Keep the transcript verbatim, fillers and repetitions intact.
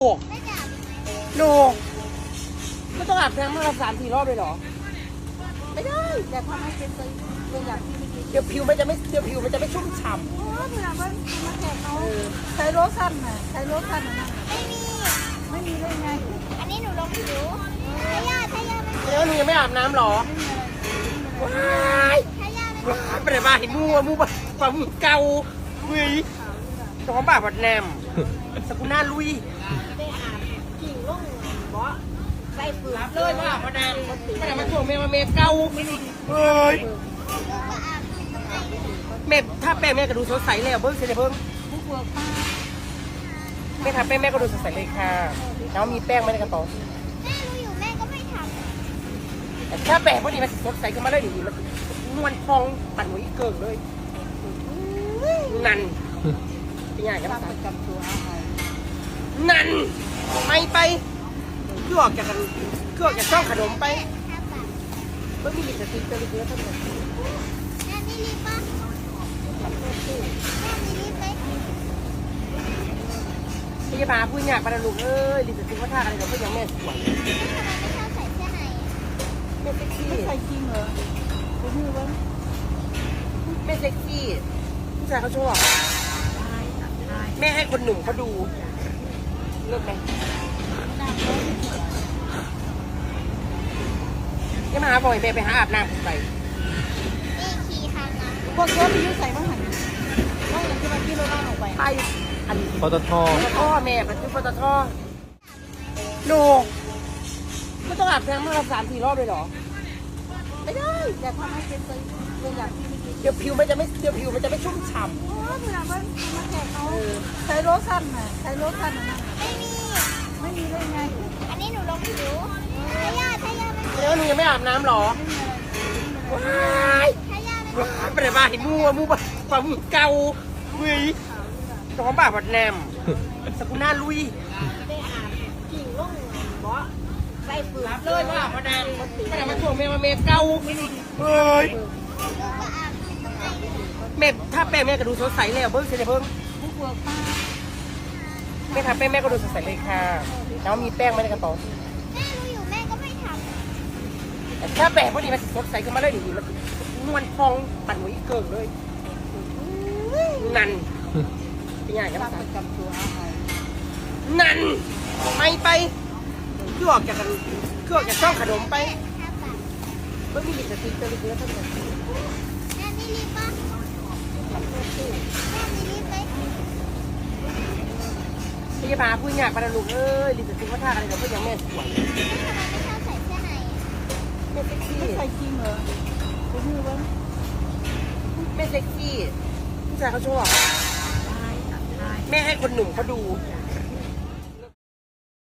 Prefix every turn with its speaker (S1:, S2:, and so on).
S1: โอ้โนไม่ต้องอาบน้ำมาละสามสี่รอบเลยเหรอไม่ได้แต่ทำให้เป็นตัวเป็นอย่างที่ไม่ดีเดี๋ยวผิวมันจะไม่เดี๋ยวผิวมันจะไม่ชุ่มฉ่ำ
S2: โอ้เวลาว่ามาแขกเขาใช้โลชั่นน่ะใช้โลชั่นน่ะไม่มีไม่มีได้ไงอันนี้หนูลงผิวทายาทายา
S1: แล้วหนูยังไม่อาบน้ำหรอว้ายว้ายไปไหนมาเห็นมูมูปะปะมูเกาเฮ้ยจอมบ่าบัดแนมสกุลหน้าลุย
S2: ได้อาบกิ่งลงบ่ใส่ฝืน
S1: เลยว่าบัดแนมไม่ได้มาช่วงเมย์มาเมย์เกาเฮ้ยแม่ถ้าแป้งแม่ก็ดูสดใสเลยเบิ้งเสร็จเบิ้ง
S2: ผู้ปกป้า
S1: แม่ทำแป้งแม่ก็ดูสดใสเลยค่ะแล้วมีแป้งไหมในกระเป๋า
S2: แม่รู้อยู่แม่ก็ไม่ท
S1: ำแต่ถ้าแป้งพอดีมันสดใสขึ้นมาเลยดีมันนวลพองปั่นหัวอีเกิงเลยนั่นเป็นยังไงกัน
S2: ประจำตัวเอา
S1: นั่นไม่ไปคือออกจากกันคือออกจากช่องขนมไปเมื่อมีลิปสติกเจอเยอะทั้งหมด
S2: แม่มีลิปป่ะแม่มีลิปไหม
S1: พี่จะพาพูดยากปะลูกเอ้ยลิปสติกว่าท่าอะไรกับเพื่อนยังแม่สวย
S2: ทำไมไม่ชอบใส่เสื้อใน
S1: แม่เซ็กซี่
S2: ไม่ใส่จริงเหรอดูมือวะ
S1: แม่เซ็กซี่ผู้ชายเขาชอบแม่ให้คนหนุ่มเขาดูเลิกไหมจะมาหาบ่อยแม่ไปหาอาบน้ำใส่
S2: นี่ขี่คันนะพวกเสื้อที่ยุ่ใส่บ้างหันบ้างอย่างที่มันที่เราล่างออกไป
S1: ไปอัน
S3: ปตท
S1: ปตทแม่เป็นปตทโนไม่ต้องอาบน้ำมาละสามสี่รอบเลยเหรอไม่ได้
S2: แต่ทำให้เป็นตัวเป็นอย่างที่ไม่ดี
S1: เดี๋ยวผิวมันจะไม่เดี๋ยวผิวมันจะไม่ชุ่มฉ่ำ
S2: โอ้เวลาว่ามาแขกเขาใช้โลชั่นน่ะใช้โลชั่นน่ะไม่มีไม่มีได้ไงอันนี้หนูลงผิวทายาทายา
S1: แล้วหนูยังไม่อาบน้ำหรอว้ายว้ายไปไหนมาเห็นมูมูปะปะมูเกาเฮ้ยจอมบ่าบัดแนมสกุลหน้าลุย
S2: ได้อาบกิ่งลงบ่ใส่ฝืน
S1: เลยว่าบัดแนมไม่ได้มาช่วงเมย์มาเมย์เกาเฮ้ยแม่ถ้าแป้งแม่ก็ดูสดใสเลยเบิ้งเสร็จเบิ้ง
S2: ผู้ปกป้า
S1: แม่ทำแป้งแม่ก็ดูสดใสเลยค่ะแล้วมีแป้งไหมในกระเป๋า
S2: แม่รู้อยู่แม่ก็ไม่ทำ
S1: แต่ถ้าแป้งพอดีมันสดใสขึ้นมาเลยดีมันนวลพองปั่นหัวอีเกิงเลยนั่นเป็นยังไงกัน
S2: ประจำตัวเอา
S1: นั่นไม่ไปคือออกจากกันคือออกจากช่องขนมไปเมื่อมีลิปสติกเจอเยอะทั้งหมด
S2: แม่มีลิปป่ะแม่มีลิปไหม
S1: พี่จะพาพูดยากปะลูกเอ้ยลิปสติกว่าท่าอะไรกับเพื่อนยังแม่สวย
S2: ทำไมไม่ชอบใส่เสื้อใน
S1: แม่เซ็กซี่
S2: ไม่ใส่จริงเหรอดูมือวะ
S1: แม่เซ็กซี่ผู้ชายเขาชอบแม่ให้คนหนุ่มเขาดู